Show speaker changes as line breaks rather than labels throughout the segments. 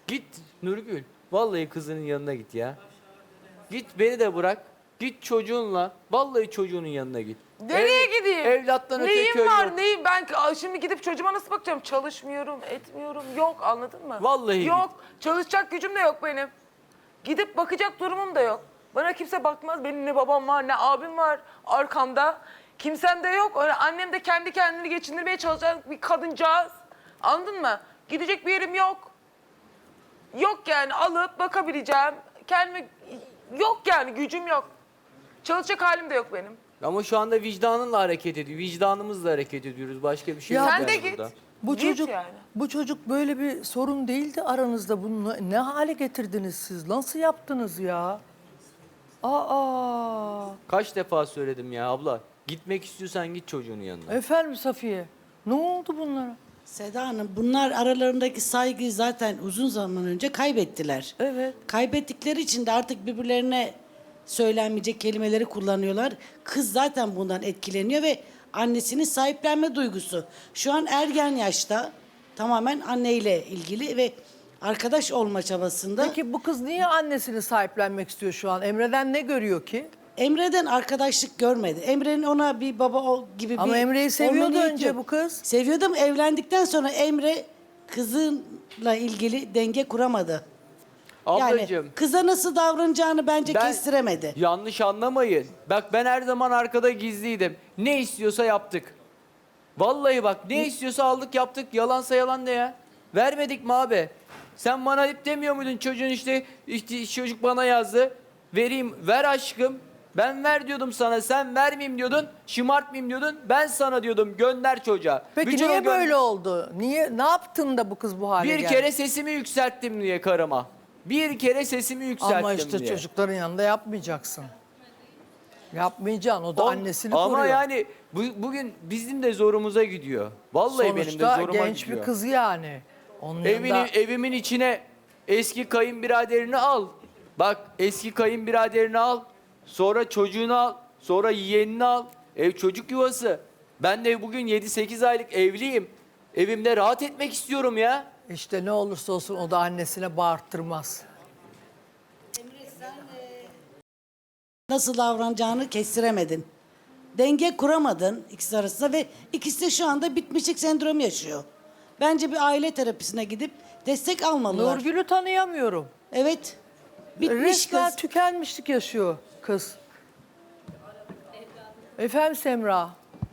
Git Nurgül. Vallahi kızının yanına git ya. Git beni de bırak. Git çocuğunla. Vallahi çocuğunun yanına git.
Nereye gideyim?
Evlattan öte
Neyim
köy
var
yok.
neyim? Ben şimdi gidip çocuğuma nasıl bakacağım? Çalışmıyorum, etmiyorum. Yok, anladın mı?
Vallahi
yok. Çalışacak gücüm de yok benim. Gidip bakacak durumum da yok. Bana kimse bakmaz. Benim ne babam var ne abim var arkamda. Kimsem de yok. Öyle annem de kendi kendini geçindirmeye çalışan bir kadıncağız. Anladın mı? Gidecek bir yerim yok. Yok yani, alıp bakabileceğim. Kendime yok yani, gücüm yok. Çalışacak halim de yok benim.
Ama şu anda vicdanınla hareket ediyor. Vicdanımızla hareket ediyoruz. Başka bir şey
Ya
yok.
Sen
yani
de git.
burada.
Bu
Git
çocuk
yani.
bu çocuk böyle bir sorun değildi aranızda. Bunu ne hale getirdiniz siz? Nasıl yaptınız ya? Aa!
Kaç defa söyledim ya abla. Gitmek istiyorsan git çocuğunun yanına.
Efendim Safiye. Ne oldu bunlara?
Seda Hanım, bunlar aralarındaki saygıyı zaten uzun zaman önce kaybettiler.
Evet.
Kaybettikleri için de artık birbirlerine söylenmeyecek kelimeleri kullanıyorlar. Kız zaten bundan etkileniyor ve annesinin sahiplenme duygusu. Şu an ergen yaşta, tamamen anneyle ilgili ve arkadaş olma çabasında.
Peki bu kız niye annesini sahiplenmek istiyor şu an? Emre'den ne görüyor ki?
Emre'den arkadaşlık görmedi. Emre'nin ona bir baba gibi bir...
Ama Emre'yi seviyordu
olma niyeti
önce
yok.
bu kız.
Seviyordu ama evlendikten sonra Emre kızınla ilgili denge kuramadı.
Ablacığım.
Yani kıza nasıl davranacağını bence kestiremedi.
Yanlış anlamayın. Bak ben her zaman arkada gizliydim. Ne istiyorsa yaptık. Vallahi bak ne istiyorsa aldık yaptık. Yalansa yalan ne ya? Vermedik mi abi? Sen bana hep demiyor muydun çocuğun işte çocuk bana yazdı. Vereyim ver aşkım. Ben ver diyordum sana, sen vermeyeyim diyordun, şımartmayayım diyordun. Ben sana diyordum gönder çocuğa.
Peki
Bütün o
niye böyle oldu? Niye, ne yaptın da bu kız bu hale
Bir
geldi?
kere sesimi yükselttim diye karıma. Bir kere sesimi yükselttim
Ama işte
diye.
çocukların yanında yapmayacaksın. Yapmayacaksın. O da annesini
Ama
koruyor.
yani bugün bizim de zorumuza gidiyor. Vallahi benim de
Sonuçta
zoruma
genç
gidiyor.
bir kız yani. Onun yanında...
Evimin içine eski kayınbiraderini al. Bak eski kayınbiraderini al. Sonra çocuğunu al. Sonra yeğenini al. Ev çocuk yuvası. Ben de bugün 7-8 aylık evliyim. Evimde rahat etmek istiyorum ya.
İşte ne olursa olsun o da annesine bağırttırmaz.
Nasıl davranacağını kestiremedin. Denge kuramadın ikisi arasında ve ikisi de şu anda bitmişlik sendromu yaşıyor. Bence bir aile terapisine gidip destek almalılar.
Nurgül'ü tanıyamıyorum.
Evet. Bitmiş
Resmen
kız.
tükenmişlik yaşıyor kız. Efendim Semra.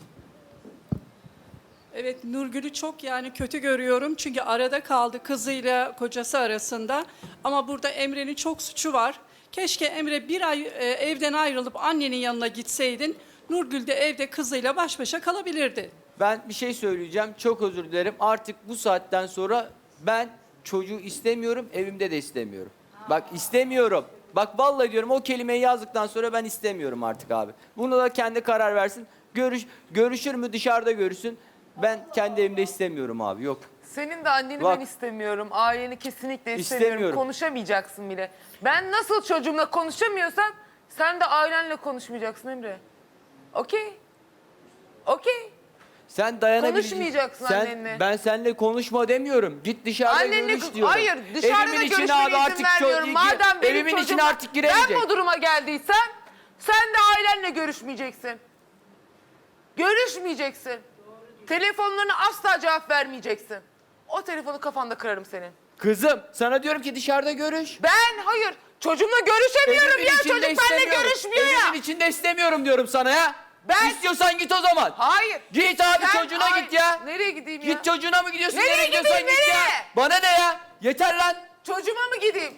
Evet, Nurgül'ü çok yani kötü görüyorum. Çünkü arada kaldı kızıyla kocası arasında. Ama burada Emre'nin çok suçu var. Keşke Emre bir ay evden ayrılıp annenin yanına gitseydin. Nurgül de evde kızıyla baş başa kalabilirdi.
Ben bir şey söyleyeceğim. Çok özür dilerim. Artık bu saatten sonra ben çocuğu istemiyorum. Evimde de istemiyorum. Bak istemiyorum. Bak vallahi diyorum o kelimeyi yazdıktan sonra ben istemiyorum artık abi. Bunu da kendi karar versin. Görüşür mü dışarıda görüşsün. Ben kendi evimde istemiyorum abi. Yok.
Senin de anneni
Bak.
ben istemiyorum. Aileni kesinlikle istemiyorum.
İstemiyorum.
Konuşamayacaksın bile. Ben nasıl çocuğumla konuşamıyorsam sen de ailenle konuşmayacaksın Emre. Okey? Okey.
Sen dayanabileceksin.
Konuşmayacaksın annenle.
Ben seninle konuşma demiyorum. Git dışarıda
Annenle
görüş diyorum.
hayır, dışarıda da
Evimin içine
görüşmene
abi
izin
artık
vermiyorum. Madem benim
evimin içine
çocuğum-
artık giremeyecek.
Ben bu duruma geldiysem sen de ailenle görüşmeyeceksin. Görüşmeyeceksin. Telefonlarına asla cevap vermeyeceksin. O telefonu kafanda kırarım senin.
Kızım sana diyorum ki dışarıda görüş.
Hayır çocuğumla görüşemiyorum
Evimin
ya,
içinde
çocuk benimle
istemiyorum.
görüşmüyor ya.
Evimin içinde istemiyorum diyorum sana ya.
Ben-
İstiyorsan git o zaman.
Hayır.
Git abi
Sen-
çocuğuna
Ay,
git ya.
Nereye gideyim ya?
Git çocuğuna mı gidiyorsun?
Nereye
gidiyorsan
gideyim,
git ya.
nereye?
Bana ne ya? Yeter lan.
Çocuğuma mı gideyim?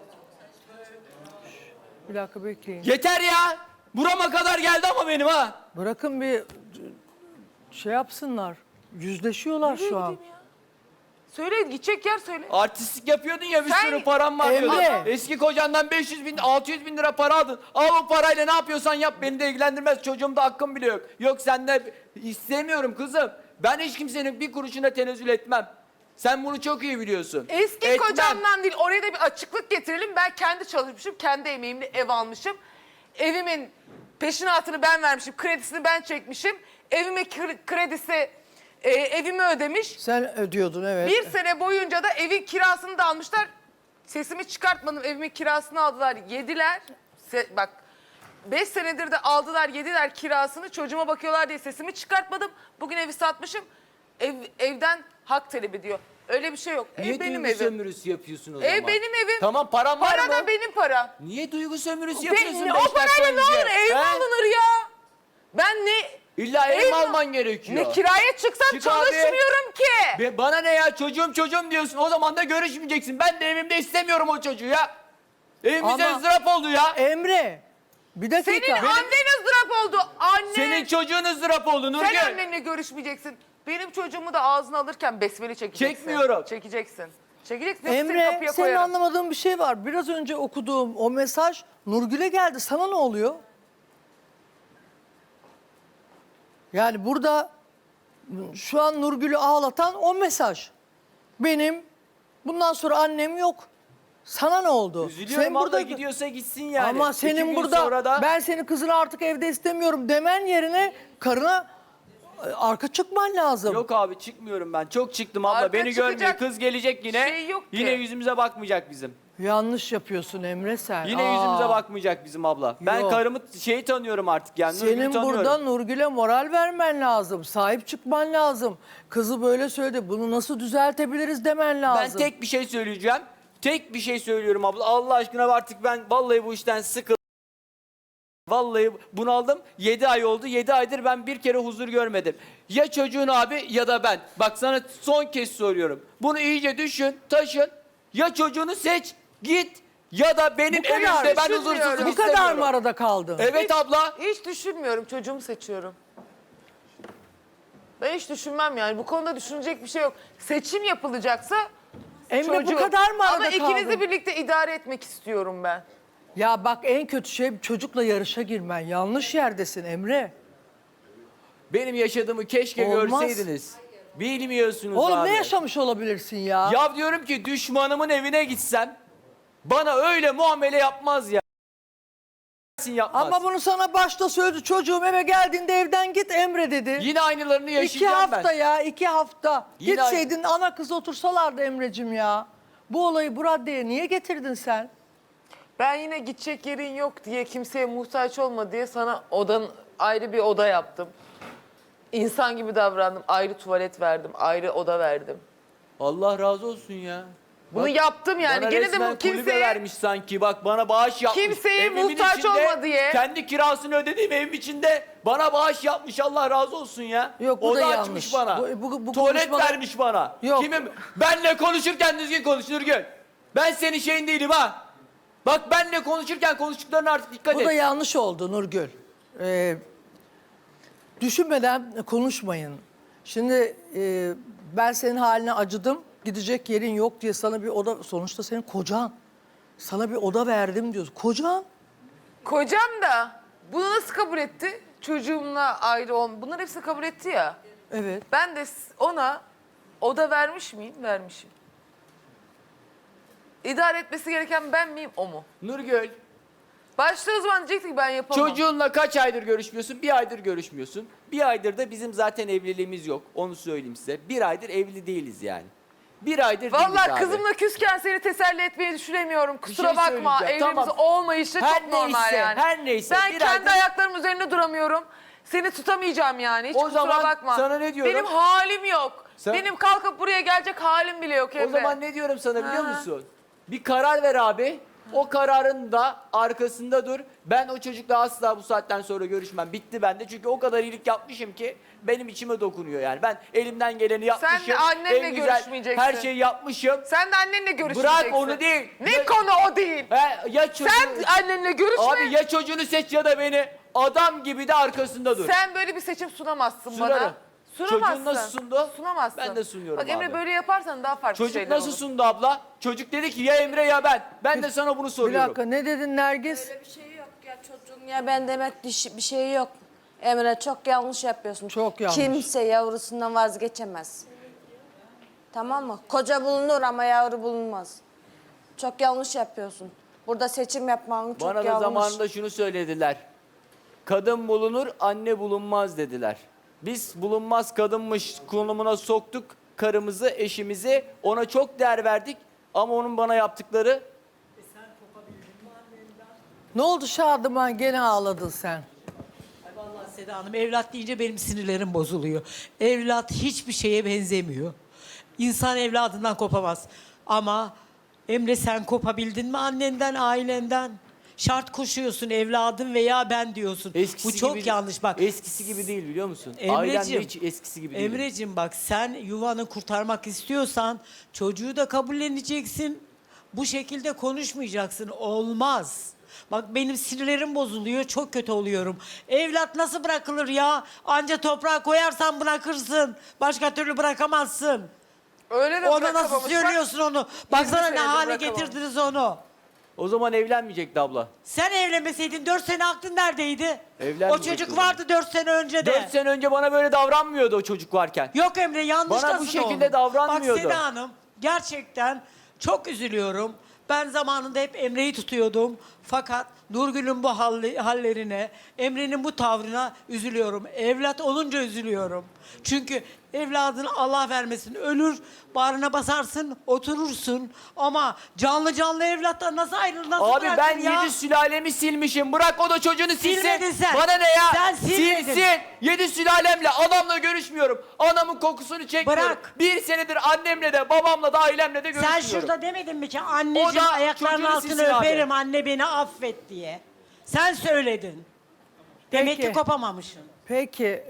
Bir dakika bekleyin.
Yeter ya. Burama kadar geldi ama benim ha.
Bırakın bir şey yapsınlar. Yüzleşiyorlar
Nereye
şu an.
gideyim ya? Söyle, gidecek yer söyle.
Artistlik yapıyordun ya bir
Sen-
sürü param var
Emre.
diyordun. Eski kocandan 500 bin 600 bin lira para aldın. Al o parayla ne yapıyorsan yap beni de ilgilendirmez. Çocuğumda hakkım bile yok. Yok sende istemiyorum kızım. Ben hiç kimsenin bir kuruşuna tenezzül etmem. Sen bunu çok iyi biliyorsun.
Eski
Etmem.
kocamdan değil, oraya da bir açıklık getirelim. Ben kendi çalışmışım, kendi emeğimle ev almışım. Evimin peşinatını ben vermişim, kredisini ben çekmişim. Evimin kredisi evimi ödemiş.
Sen ödüyordun evet.
Bir sene boyunca da evin kirasını da almışlar. Sesimi çıkartmadım. Evimin kirasını aldılar, yediler. Bak 5 senedir de aldılar, yediler kirasını. Çocuğuma bakıyorlar diye sesimi çıkartmadım. Bugün evi satmışım. Evden hak talep ediyor. Öyle bir şey yok.
Niye
Ev benim
duygu
evim.
sömürüsü yapıyorsun o
Ev
zaman?
benim evim.
Tamam, param var
Para
mı?
da benim para.
Niye duygu sömürüsü yapıyorsun?
O
5 dakika
parayla ne
önce?
olur? Ev mi
He?
alınır ya? Ben ne...
İlla ev mi
Ev mi-
alman gerekiyor?
Ne kiraya çıksam
Çık
çalışmıyorum ki.
Bana ne ya, çocuğum diyorsun, o zaman da görüşmeyeceksin. Ben de evimde istemiyorum o çocuğu ya. Evimize
Ama-
ızdırap oldu ya.
Emre, bir dakika.
Senin annen ızdırap oldu. Anne.
Senin çocuğun ızdırap oldu Nurgül.
Sen annenle görüşmeyeceksin. Benim çocuğumu da ağzına alırken besmele çekeceksin.
Çekmiyorum.
Çekeceksin. Çekeceksin. Yoksa seni
Emre,
kapıya
senin
koyarım.
anlamadığın bir şey var. Biraz önce okuduğum o mesaj Nurgül'e geldi. Sana ne oluyor? Yani burada şu an Nurgül'ü ağlatan o mesaj. Benim bundan sonra annem yok. Sana ne oldu?
Üzülüyorum abla, gidiyorsa gitsin yani.
Ama
2
senin
gün
burada
sonra da...
ben senin kızını artık evde istemiyorum demen yerine karına arka çıkman lazım.
Yok abi, çıkmıyorum ben. Çok çıktım abla.
Arka
Beni görmüyor.
çıkacak
Kız gelecek yine.
şey yok ki.
Yine yüzümüze bakmayacak bizim.
Yanlış yapıyorsun Emre sen.
Yine
Aa.
yüzümüze bakmayacak bizim abla. Ben
Yok.
karımı tanıyorum artık yani. Nurgül'ü
Senin
tanıyorum.
burada Nurgül'e moral vermen lazım. Sahip çıkman lazım. Kızı böyle söyledi. Bunu nasıl düzeltebiliriz demen lazım.
Ben tek bir şey söyleyeceğim. Tek bir şey söylüyorum abla. Allah aşkına artık ben vallahi bu işten sıkıldım. Vallahi bunaldım. 7 ay oldu. 7 aydır ben bir kere huzur görmedim. Ya çocuğun abi ya da ben. Bak sana son kez soruyorum. Bunu iyice düşün, taşın. Ya çocuğunu seç, git. Ya da benim
kadar
evimde ben
düşünmüyorum.
huzursuzluk
Bu kadar
istemiyorum.
mı arada kaldın?
Evet abla.
Hiç düşünmüyorum. Çocuğumu seçiyorum. Ben hiç düşünmem yani. Bu konuda düşünecek bir şey yok. Seçim yapılacaksa
Emre bu
çocuğum.
kadar mı arada
Ama ikinizi
kaldın?
birlikte idare etmek istiyorum ben.
Ya bak en kötü şey çocukla yarışa girmen. Yanlış yerdesin Emre.
Benim yaşadığımı keşke
Olmaz.
görseydiniz. Bilmiyorsunuz
Oğlum
abi.
ne yaşamış olabilirsin ya?
Ya diyorum ki düşmanımın evine gitsem bana öyle muamele yapmaz ya. Yapmaz.
Ama bunu sana başta söyledi. Çocuğum eve geldiğinde evden git Emre dedi.
Yine aynılarını
2
yaşayacağım
hafta
ben.
ya 2 hafta.
Yine
Gitseydin ana kız otursalardı Emre'cim ya. Bu olayı bu raddeye niye getirdin sen?
Ben yine gidecek yerin yok diye, kimseye muhtaç olma diye sana ayrı bir oda yaptım. İnsan gibi davrandım. Ayrı tuvalet verdim. Ayrı oda verdim.
Allah razı olsun ya.
Bunu
Bak,
yaptım yani.
bana
Gene de
resmen
bu
kulübe
kimseye
vermiş sanki. Bak bana bağış yapmış.
Kimseye
Evimin
muhtaç
içinde,
olma diye.
Kendi kirasını ödediğim evim içinde bana bağış yapmış. Allah razı olsun ya.
Yok, bu
Oda
da
açmış
yanlış.
bana.
Bu
Tuvalet
konuşmalar-
vermiş bana.
Yok.
Benle konuşurken düzgün konuş Nurgül. Ben senin şeyin değilim ha. Bak benle konuşurken konuştuklarına artık dikkat
Bu
et.
da yanlış oldu Nurgül. Düşünmeden konuşmayın. Şimdi ben senin haline acıdım. Gidecek yerin yok diye sana bir oda... Sonuçta senin kocan. Sana bir oda verdim diyorsun. Kocan.
kocam da bunu nasıl kabul etti? Çocuğumla ayrı bunlar hepsini kabul etti ya.
Evet.
Ben de ona oda vermiş miyim? Vermişim. İdare etmesi gereken ben miyim, o mu?
Nurgül,
Başta o zaman diyecekti ki ben yapamam.
çocuğunla kaç aydır görüşmüyorsun? 1 aydır görüşmüyorsun. 1 aydır da bizim zaten evliliğimiz yok. Onu söyleyeyim size. 1 aydır evli değiliz yani. 1 aydır değiliz
Vallahi
abi.
kızımla küsken seni teselli etmeyi düşünemiyorum. Kusura
şey
bakma.
söyleyeceğim,
Evliliğimiz
tamam.
olmayışı
Her
çok normal
neyse,
yani.
her neyse.
Ben
Bir
kendi
aydır-
ayaklarım üzerinde duramıyorum. Seni tutamayacağım yani. Hiç
O
kusura
zaman
bakma.
sana ne diyorum?
Benim halim yok.
Sen-
Benim kalkıp buraya gelecek halim bile yok Emre.
O zaman ne diyorum sana biliyor
Ha.
musun? Bir karar ver abi. O kararın da arkasında dur. Ben o çocukla asla bu saatten sonra görüşmem. Bitti bende. Çünkü o kadar iyilik yapmışım ki benim içime dokunuyor yani. Ben elimden geleni yapmışım.
de annenle
en güzel
görüşmeyeceksin.
her şeyi yapmışım.
Sen de annenle görüşmeyeceksin.
Bırak onu değil.
Ne
Ya-
konu o değil.
Ya çocuğu...
Sen annenle görüşme.
Abi ya çocuğunu seç ya da beni. Adam gibi de arkasında dur.
Sen böyle bir seçim sunamazsın
Sunarım.
bana. Sunamazsın.
Çocuğun nasıl sundu?
Sunamazsın.
Ben de sunuyorum
Bak Emre
abi.
böyle yaparsan daha farklı
Çocuk
şeyler
nasıl
olur.
sundu abla? Çocuk dedi ki ya Emre ya ben. Ben de sana bunu
Bir
soruyorum.
dakika ne dedin Nergis?
Bir şey yok ya çocuğun ya ben demek bir şey yok. Emre çok yanlış yapıyorsun.
Çok yanlış.
Kimse yavrusundan vazgeçemez. Tamam mı? Koca bulunur ama yavru bulunmaz. Çok yanlış yapıyorsun. Burada seçim yapman çok
Bana da
yanlış.
zamanında şunu söylediler. Kadın bulunur, anne bulunmaz dediler. Biz bulunmaz kadınmış konumuna soktuk karımızı, eşimizi. Ona çok değer verdik. Ama onun bana yaptıkları
Ne oldu Şadıman, gene ağladın sen?
Ay vallahi Seda Hanım, evlat deyince benim sinirlerim bozuluyor. Evlat hiçbir şeye benzemiyor. İnsan evladından kopamaz. Ama Emre, sen kopabildin mi annenden, ailenden? Şart koşuyorsun, evladım veya ben diyorsun.
eskisi
Bu çok
gibi,
yanlış bak.
Eskisi gibi değil, biliyor musun? Ailen de
Emreciğim,
hiç eskisi gibi değil.
Emreciğim bak, sen yuvanı kurtarmak istiyorsan çocuğu da kabulleneceksin. Bu şekilde konuşmayacaksın. Olmaz. Bak benim sinirlerim bozuluyor. Çok kötü oluyorum. Evlat nasıl bırakılır ya? Anca toprağa koyarsan bırakırsın. Başka türlü bırakamazsın.
Öyle de
Ona nasıl
bırakamamış. Bak,
söylüyorsun onu? Baksana ne
senedir
hale
bırakamamış.
getirdiniz onu.
O zaman evlenmeyecekti abla.
Sen evlenmeseydin 4 sene aklın neredeydi?
Evlenmeyecekti
O çocuk
o zaman.
vardı 4 sene önce de.
4 sene önce bana böyle davranmıyordu o çocuk varken.
Yok Emre, yanlıştasın
Bana bu şekilde
oğlum.
davranmıyordu.
Bak Seda Hanım, gerçekten çok üzülüyorum. Ben zamanında hep Emre'yi tutuyordum. Fakat Nurgül'ün bu hallerine, Emre'nin bu tavrına üzülüyorum. Evlat olunca üzülüyorum. Çünkü evladını Allah vermesin, ölür, bağrına basarsın, oturursun. Ama canlı canlı evlattan nasıl ayrılır, nasıl
Abi
bırakır
ben
ya?
7 sülalemi silmişim. Bırak o da çocuğunu silsin.
Silmedin sen.
Bana ne ya?
Sen silmedin.
Silsin. 7 sülalemle adamla görüşmüyorum. Anamın kokusunu çekmiyorum.
Bırak.
1 senedir annemle de babamla da ailemle de
Sen
görüşmüyorum.
şurada demedin mi ki
O
anneciğim
da
ayaklarının
çocuğunu
altını
silsin abi.
öperim, anne beni affet diye. Sen söyledin. Demek
Peki.
ki kopamamışsın.
Peki,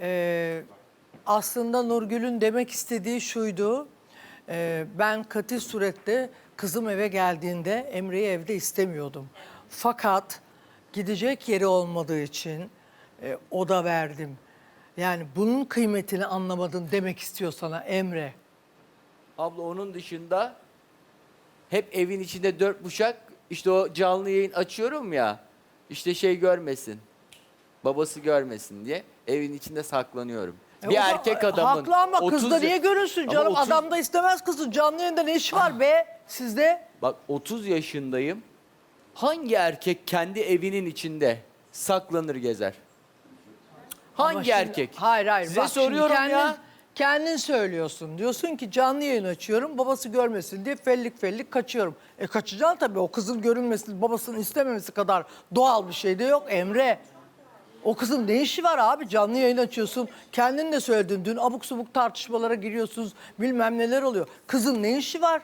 aslında Nurgül'ün demek istediği şuydu. Ben katil surette kızım eve geldiğinde Emre'yi evde istemiyordum. Fakat gidecek yeri olmadığı için oda verdim. Yani bunun kıymetini anlamadın demek istiyor sana Emre.
Abla onun dışında hep evin içinde 4 bucak, işte o canlı yayın açıyorum ya, işte şey görmesin, babası görmesin diye evin içinde saklanıyorum. Bir
O da
erkek adamın
haklı ama
30
kızda niye görünsün
Ama
canım?
30
Adam da istemez kızı. Canlı yayında ne işi var be sizde?
Bak 30 yaşındayım. Hangi erkek kendi evinin içinde saklanır gezer?
Ama
Hangi
şimdi-
erkek?
Hayır.
Size
bak şimdi
soruyorum ya.
Kendin söylüyorsun. Diyorsun ki canlı yayın açıyorum, babası görmesin diye fellik kaçıyorum. Kaçacaksın tabii, o kızın görünmesi, babasının istememesi kadar doğal bir şey de yok Emre. O kızın ne işi var abi? Canlı yayın açıyorsun. Kendin de söyledin. Dün abuk subuk tartışmalara giriyorsunuz. Bilmem neler oluyor. Kızın ne işi var?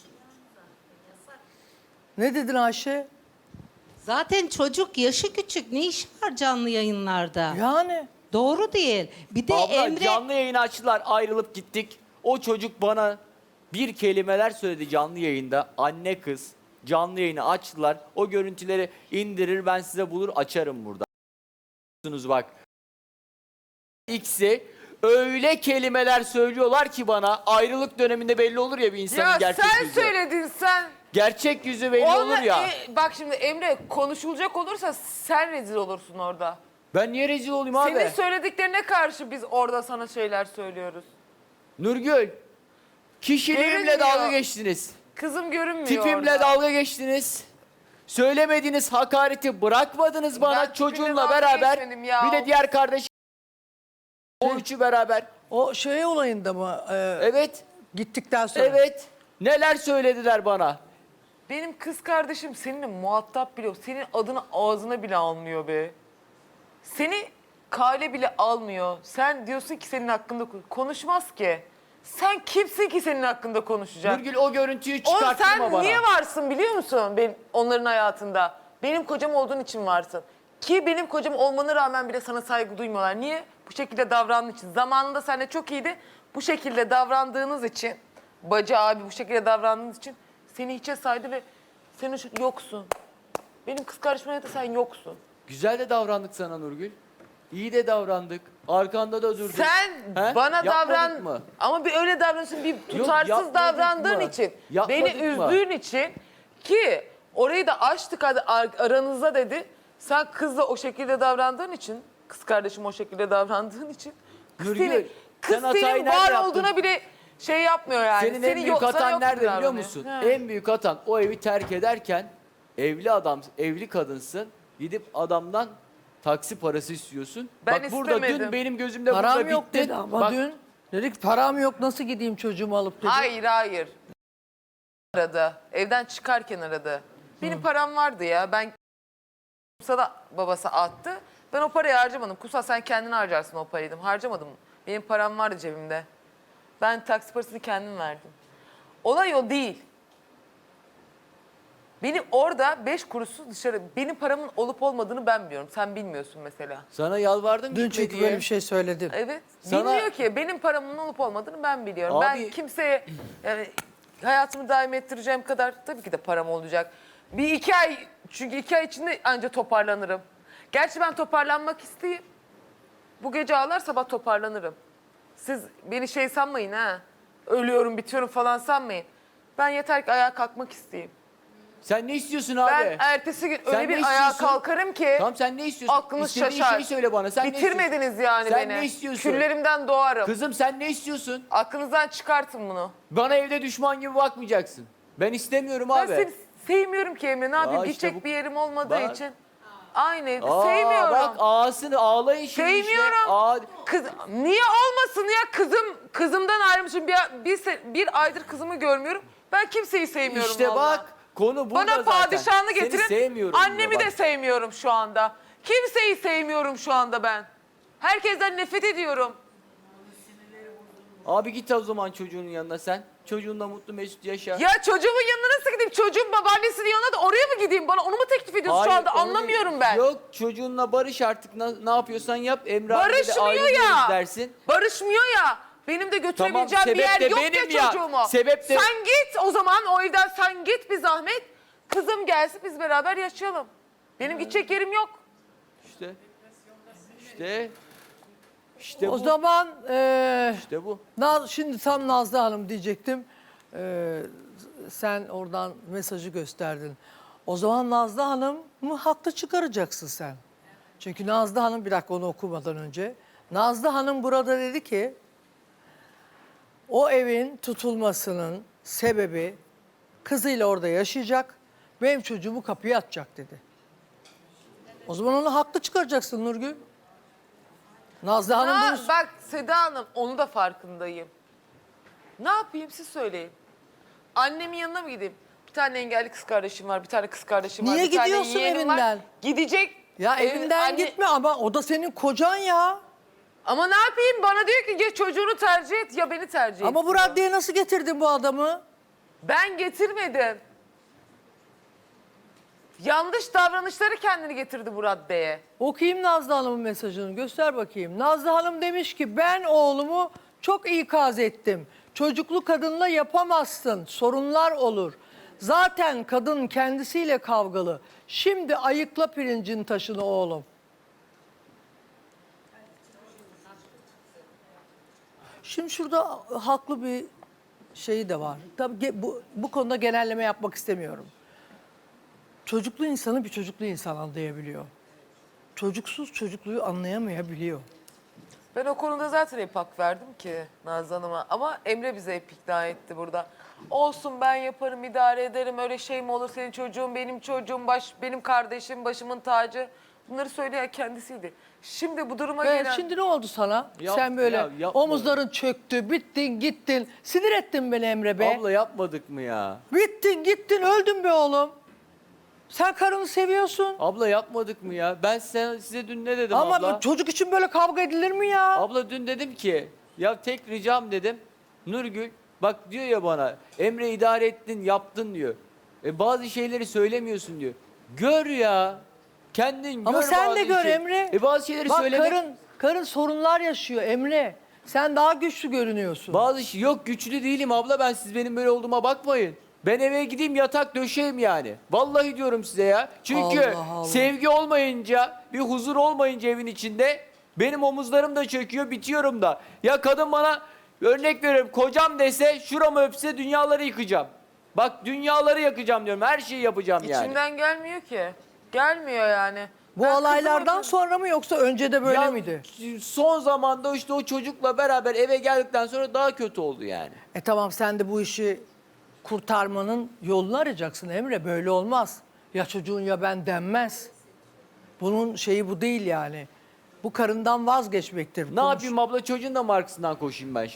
Ne dedin Ayşe?
Zaten çocuk yaşı küçük. Ne iş var canlı yayınlarda?
Yani.
Doğru değil. Bir de
Abla
Emre
canlı yayını açtılar, ayrılıp gittik. O çocuk bana bir kelimeler söyledi canlı yayında. Anne kız canlı yayını açtılar. O görüntüleri indirir, ben size bulur açarım burada. Bak. X'i öyle kelimeler söylüyorlar ki bana, ayrılık döneminde belli olur ya bir insanın
Ya
gerçek
sen
yüzü.
söyledin sen.
Gerçek yüzü belli
Onunla-
olur ya.
bak şimdi Emre, konuşulacak olursa sen rezil olursun orada.
Ben niye rezil olayım abi?
Senin söylediklerine karşı biz orada sana şeyler söylüyoruz.
Nurgül, kişiliğimle
Görünmüyor.
dalga geçtiniz.
Kızım görünmüyor
Tipimle
orada.
dalga geçtiniz. Söylemediğiniz hakareti bırakmadınız bana,
Ben tipimle
çocuğunla
dalga
beraber.
geçmedim ya.
Bir de diğer kardeşim. O üçü beraber.
O şey olayında mı?
Evet,
Gittikten sonra.
evet. Neler söylediler bana.
Benim kız kardeşim seninle muhatap bile yok. Senin adını ağzına bile almıyor be. Seni kale bile almıyor. Sen diyorsun ki senin hakkında konuşmaz ki. Sen kimsin ki senin hakkında konuşacak?
Nurgül o görüntüyü
Oğlum
çıkarttırma
sen
bana.
niye varsın biliyor musun onların hayatında? Benim kocam olduğun için varsın. Ki benim kocam olmana rağmen bile sana saygı duymuyorlar. Niye? Bu şekilde davrandığın için. Zamanında seninle çok iyiydi. Bu şekilde davrandığınız için, bacı abi bu şekilde davrandığınız için seni hiçe saydı ve sen yoksun. Benim kız kardeşimle de sen yoksun.
Güzel de davrandık sana Nurgül. İyi de davrandık. Arkanda da durduk.
Sen
He?
bana
Yapmadık
davran
mı?
ama bir öyle davranıyorsun, bir tutarsız
yapmadık
davrandığın
mı?
için,
Yapmadık
beni
mı?
üzdüğün için ki orayı da açtık hadi aranızda dedi. Sen kızla o şekilde davrandığın için, kız kardeşim o şekilde davrandığın için kız
Nurgül,
senin, kız
sen hatayı
senin
nerede
var
yaptın?
olduğuna bile şey yapmıyor yani.
Senin en büyük
sana
hatan
yok
nerede
gibi
biliyor
davranıyor.
musun?
He.
En büyük hatan o evi terk ederken evli adam, evli kadınsın. Gidip adamdan taksi parası istiyorsun.
Ben
Bak burada
istemedim.
dün benim gözümde
Param
burada
yok
bittin.
dedi ama
Bak,
dün. Dedik param yok, nasıl gideyim çocuğumu alıp dedi.
Hayır hayır. aradı. Evden çıkarken aradı. Benim param vardı ya. Ben Kumsal'a babası attı. Ben o parayı harcamadım. Kumsal sen kendin harcarsın o parayı dedim. Harcamadım. Benim param vardı cebimde. Ben taksi parasını kendim verdim. Olay o değil. Benim orada 5 kuruşsuz dışarı, benim paramın olup olmadığını ben biliyorum. Sen bilmiyorsun mesela.
Sana yalvardım
Dün
gitme
çünkü
diye.
böyle bir şey söyledim.
Evet.
Sana-
Bilmiyor ki. Benim paramın olup olmadığını ben biliyorum.
Abi-
Ben kimseye yani hayatımı daim ettireceğim kadar tabii ki de param olacak. Bir 2 ay, çünkü 2 ay içinde anca toparlanırım. Gerçi ben toparlanmak isteyeyim. Bu gece ağlar sabah toparlanırım. Siz beni şey sanmayın ha. Ölüyorum bitiyorum falan sanmayın. Ben yeter ki ayağa kalkmak isteyeyim.
Sen ne istiyorsun abi?
Ben ertesi gün
Sen
öyle bir
ne
ayağa
istiyorsun?
kalkarım ki
Tamam sen ne istiyorsun?
aklınız
İstediğin
şaşar.
şeyi söyle bana. Sen ne
Bitirmediniz
istiyorsun?
yani
Sen
beni.
ne istiyorsun?
Küllerimden doğarım.
Kızım sen ne istiyorsun?
Aklınızdan çıkartın bunu.
Bana evde düşman gibi bakmayacaksın. Ben istemiyorum
Ben
abi.
seni sevmiyorum ki Emre. Ne yapayım?
işte
Gidecek
bu-
bir yerim olmadığı
Bak.
için. Aynı evde.
Aa,
Sevmiyorum.
Bak ağasını ağlayın şimdi
Sevmiyorum.
işte. Aa,
Kız, niye olmasın ya? Kızımdan ayrılmışım. Bir aydır kızımı görmüyorum. Ben kimseyi sevmiyorum
işte
vallahi.
bak konu burada
Bana
zaten.
padişahını
Seni
getirin.
sevmiyorum
Annemi
diyor
de
bak.
sevmiyorum şu anda. Kimseyi sevmiyorum şu anda ben. Herkesten nefret ediyorum.
Abi git o zaman çocuğunun yanına sen. Çocuğunla mutlu mesut yaşa.
Ya çocuğumun yanına nasıl gideyim? Çocuğum babaannesinin yanına da oraya mı gideyim? Bana onu mu teklif ediyorsun şu
Hayır,
anda?
onu
Anlamıyorum ben.
Yok çocuğunla barış artık ne yapıyorsan yap. Emre abiyle de
Barışmıyor
ayrılıyoruz
ya.
dersin.
Barışmıyor ya. Benim de götürebileceğim
Tamam,
bir yer
sebep de
yok
benim
ya
ya.
çocuğumu.
Sebep de-
Sen git o zaman o evden sen git bir zahmet. Kızım gelsin biz beraber yaşayalım. Benim gidecek yerim yok.
İşte
O
bu.
zaman
İşte bu.
şimdi tam Nazlı Hanım diyecektim. Sen oradan mesajı gösterdin. O zaman Nazlı Hanım'ı haklı çıkaracaksın sen. Çünkü Nazlı Hanım, bir dakika onu okumadan önce. Nazlı Hanım burada dedi ki o evin tutulmasının sebebi kızıyla orada yaşayacak, benim çocuğumu kapıya atacak dedi. O zaman onu haklı çıkaracaksın Nurgül. Nazlı Hanım
Ha,
bunu...
bak Seda Hanım onu da farkındayım. Ne yapayım siz söyleyin. Annemin yanına mı gideyim? Bir tane engelli kız kardeşim var, bir tane kız kardeşim var.
Niye
bir tane
gidiyorsun
yeğenim var.
evinden?
Gidecek.
Ya evinden
anne-
gitme ama o da senin kocan ya.
Ama ne yapayım? Bana diyor ki ya çocuğunu tercih et ya beni tercih et.
Ama bu
diyor.
raddeye nasıl getirdin bu adamı?
Ben getirmedim. Yanlış davranışları kendini getirdi bu raddeye.
Okuyayım Nazlı Hanım'ın mesajını, göster bakayım. Nazlı Hanım demiş ki ben oğlumu çok ikaz ettim. Çocuklu kadınla yapamazsın, sorunlar olur. Zaten kadın kendisiyle kavgalı. Şimdi ayıkla pirincin taşını oğlum. Şimdi şurada haklı bir şeyi de var. Tabii bu konuda genelleme yapmak istemiyorum. Çocuklu insanı bir çocuklu insan anlayabiliyor. Çocuksuz çocukluğu anlayamayabiliyor.
Ben o konuda zaten hep hak verdim ki Nazlı Hanım'a. Ama Emre bize hep ikna etti burada. Olsun ben yaparım, idare ederim. Öyle şey mi olur? Senin çocuğun, benim çocuğum, benim kardeşim, başımın tacı. Bunları söyleyen kendisiydi. Şimdi bu duruma gelen...
Şimdi ne oldu sana?
Yap-
Sen böyle
ya yapma.
omuzların çöktü, bittin gittin. Sinir ettin beni Emre be.
Abla yapmadık mı ya?
Bittin gittin, öldün be oğlum. Sen karını seviyorsun.
Abla yapmadık mı ya? Ben size dün ne dedim
Ama
abla?
çocuk için böyle kavga edilir mi ya?
Abla dün dedim ki ya tek ricam dedim. Nurgül bak diyor ya bana Emre idare ettin yaptın diyor. Bazı şeyleri söylemiyorsun diyor. Gör ya. Kendin
Ama
gör
sen
bazı
de gör
şey.
Emre.
Bazı şeyleri
Bak
söylemek.
karın sorunlar yaşıyor Emre. Sen daha güçlü görünüyorsun.
Yok güçlü değilim abla ben siz benim böyle olduğuma bakmayın. Ben eve gideyim yatak döşeyim yani. Vallahi diyorum size ya. Çünkü
Allah Allah.
sevgi olmayınca, bir huzur olmayınca evin içinde benim omuzlarım da çöküyor, bitiyorum da. Ya kadın bana örnek veriyorum kocam dese şuramı öpse dünyaları yıkacağım. Bak dünyaları yakacağım diyorum. Her şeyi yapacağım yani.
İçimden gelmiyor ki. Gelmiyor yani.
Bu
Ben
olaylardan
kızımı-
sonra mı yoksa önce de böyle
Ya,
miydi?
Son zamanda işte o çocukla beraber eve geldikten sonra daha kötü oldu yani.
Tamam sen de bu işi kurtarmanın yolunu arayacaksın Emre. Böyle olmaz. Ya çocuğun ya ben denmez. Bunun şeyi bu değil yani. Bu karından vazgeçmektir.
Ne yapayım abla çocuğun da mı arkasından koşayım ben